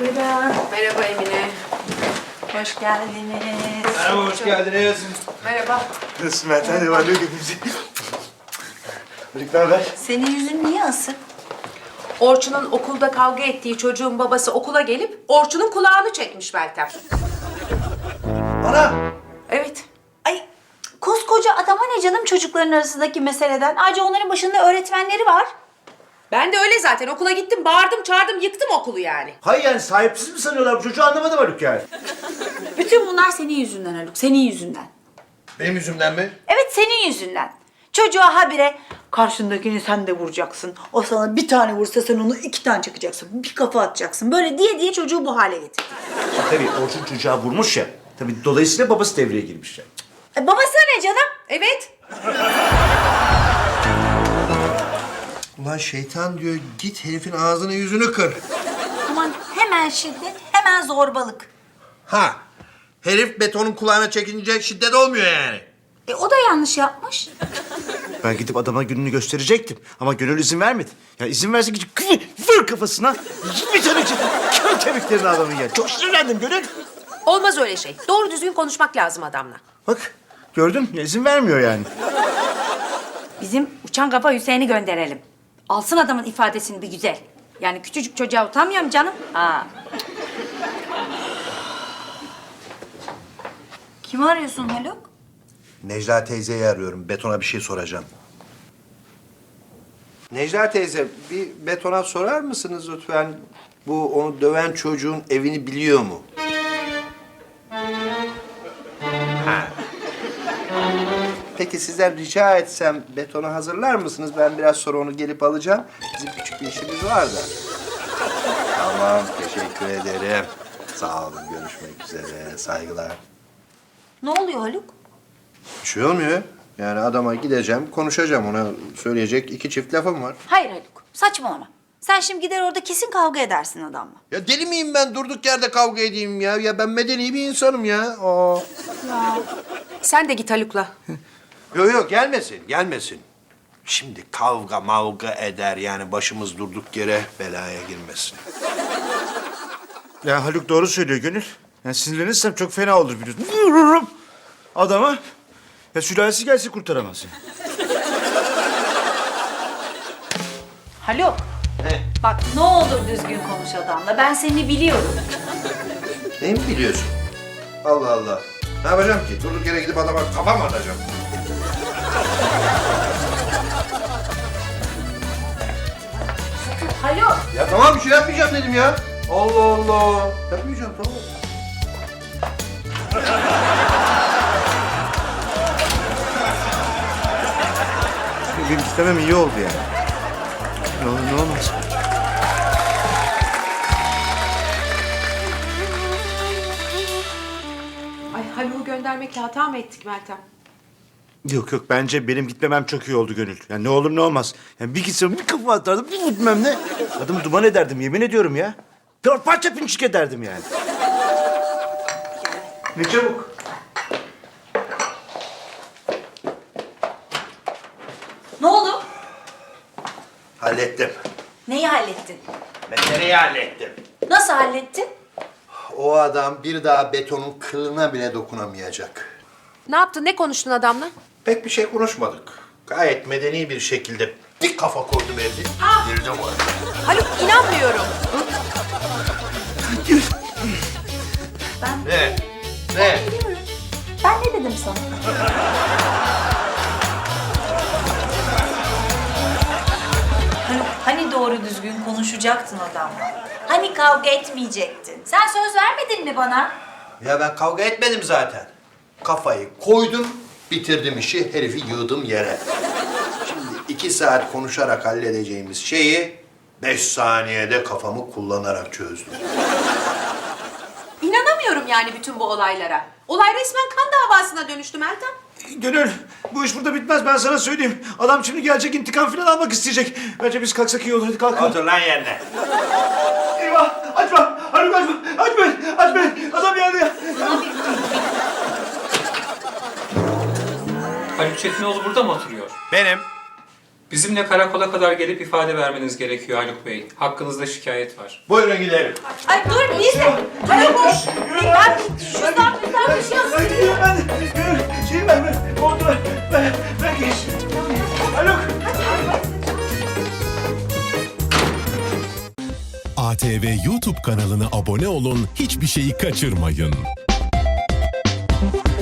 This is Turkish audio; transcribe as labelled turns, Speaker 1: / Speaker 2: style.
Speaker 1: Buyurun.
Speaker 2: Merhaba Emine.
Speaker 1: Hoş geldiniz.
Speaker 3: Merhaba, hoş geldiniz.
Speaker 2: Merhaba.
Speaker 3: Nasılsın Meltem? Ne var ne yok hepimizi? Birlikte haber?
Speaker 1: Senin yüzün niye asık?
Speaker 2: Orçun'un okulda kavga ettiği çocuğun babası okula gelip Orçun'un kulağını çekmiş Meltem.
Speaker 3: Ana!
Speaker 2: Evet.
Speaker 1: Ay koskoca adama ne canım çocukların arasındaki meseleden? Ayrıca onların başında öğretmenleri var.
Speaker 2: Ben de öyle zaten. Okula gittim, bağırdım, çağırdım, yıktım okulu yani.
Speaker 3: Hayır yani sahipsiz mi sanıyorlar bu çocuğu anlamadım Haluk yani.
Speaker 1: Bütün bunlar senin yüzünden Haluk, senin yüzünden.
Speaker 3: Benim yüzümden mi?
Speaker 1: Evet senin yüzünden. Çocuğa habire karşındakini sen de vuracaksın. O sana bir tane vursa sen onu 2 tane çakacaksın. Bir kafa atacaksın. Böyle diye çocuğu bu hale getirdin.
Speaker 3: Tabii Orçun çocuğa vurmuş ya. Tabii dolayısıyla babası devreye girmiş ya.
Speaker 1: Babası ne canım?
Speaker 2: Evet.
Speaker 4: Ulan şeytan diyor git herifin ağzını yüzünü kır.
Speaker 1: Aman hemen şiddet, hemen zorbalık.
Speaker 4: Ha, herif betonun kulağına çekince şiddet olmuyor yani.
Speaker 1: O da yanlış yapmış.
Speaker 3: Ben gidip adama gününü gösterecektim. Ama Gönül izin vermedi. Ya izin verse gidip vur kafasına. Bir tane çekip kör kemiklerini adamın ya. Çok sinirlendim Gönül.
Speaker 2: Olmaz öyle şey. Doğru düzgün konuşmak lazım adamla.
Speaker 3: Bak gördün mü? İzin vermiyor yani.
Speaker 5: Bizim uçan kafa Hüseyin'i gönderelim. Alsın adamın ifadesini bir güzel. Yani küçücük çocuğa utanmıyor mu canım? Ha.
Speaker 1: Kimi arıyorsun Haluk?
Speaker 4: Necla teyzeyi arıyorum. Betona bir şey soracağım. Necla teyze, bir betona sorar mısınız lütfen? Bu onu döven çocuğun evini biliyor mu? Ha. Peki sizden rica etsem betonu hazırlar mısınız? Ben biraz sonra onu gelip alacağım. Bizim küçük bir işimiz var da. Tamam, teşekkür ederim. Sağ olun, görüşmek üzere. Saygılar.
Speaker 1: Ne oluyor Haluk?
Speaker 4: Bir şey olmuyor. Yani adama gideceğim, konuşacağım. Ona söyleyecek 2 çift lafım var.
Speaker 1: Hayır Haluk, saçmalama. Sen şimdi gider orada kesin kavga edersin adamla.
Speaker 4: Ya deli miyim ben durduk yerde kavga edeyim ya? Ya ben medeni bir insanım ya. Aa.
Speaker 2: Sen de git Haluk'la.
Speaker 4: Yok yok gelmesin, gelmesin. Şimdi kavga mavga eder yani başımız durduk yere belaya girmesin.
Speaker 3: Ya Haluk doğru söylüyor Gönül. Yani sinirlenirsem çok fena olur biliyorsun. Vururum adama. Ya sülalesi gelse kurtaramaz.
Speaker 1: Haluk,
Speaker 4: Ne?
Speaker 1: bak ne olur düzgün konuş adamla. Ben seni biliyorum.
Speaker 4: Neyi mi biliyorsun? Allah Allah. Ne yapacağım ki? Durduk yere gidip adama kafa mı atacağım?
Speaker 1: Haluk.
Speaker 4: Ya tamam bir şey yapmayacağım dedim ya. Allah Allah. Yapmayacağım tamam.
Speaker 3: Benim istemem iyi oldu yani. Ne olur ne olmaz.
Speaker 2: Ay Haluk'u göndermekle hata mı ettik Meltem?
Speaker 3: Yok yok bence benim gitmemem çok iyi oldu Gönül. Yani ne olur ne olmaz. Yani bir gitsem bir kafa atardım bir gitmem ne. Adımı duman ederdim yemin ediyorum ya. Dört parça pinçik ederdim yani. Ne çabuk.
Speaker 1: Ne oldu?
Speaker 4: Hallettim.
Speaker 1: Neyi hallettin?
Speaker 4: Meseleyi hallettim.
Speaker 1: Nasıl hallettin?
Speaker 4: O adam bir daha betonun kılına bile dokunamayacak.
Speaker 2: Ne yaptın? Ne konuştun adamla?
Speaker 4: Pek bir şey konuşmadık. Gayet medeni bir şekilde bir kafa koydum evde. Girdim oraya.
Speaker 2: Haluk inanmıyorum.
Speaker 4: Ne? Ne?
Speaker 1: Ben ne dedim sana? Haluk, hani doğru düzgün konuşacaktın adamla? Hani kavga etmeyecektin? Sen söz vermedin mi bana?
Speaker 4: Ya ben kavga etmedim zaten. Kafayı koydum, bitirdim işi, herifi yığdım yere. Şimdi 2 saat konuşarak halledeceğimiz şeyi 5 saniyede kafamı kullanarak çözdüm.
Speaker 2: İnanamıyorum yani bütün bu olaylara. Olay resmen kan davasına dönüştü Meltem.
Speaker 3: Gönül bu iş burada bitmez ben sana söyleyeyim. Adam şimdi gelecek intikam falan almak isteyecek. Bence biz kalksak iyi olur hadi kalkalım.
Speaker 4: Otur lan yerine.
Speaker 3: Eyvah açma Haluk açma açma adam geldi ya.
Speaker 6: Haluk Çetinoğlu burada mı oturuyor?
Speaker 4: Benim.
Speaker 6: Bizimle karakola kadar gelip ifade vermeniz gerekiyor Haluk Bey. Hakkınızda şikayet var.
Speaker 4: Buyurun gidelim.
Speaker 5: Ay dur biz de. Hadi koş. Ben şuradan bir şey yazayım.
Speaker 3: Ben geç. Haluk.
Speaker 7: ATV YouTube kanalına abone olun, hiçbir şeyi kaçırmayın.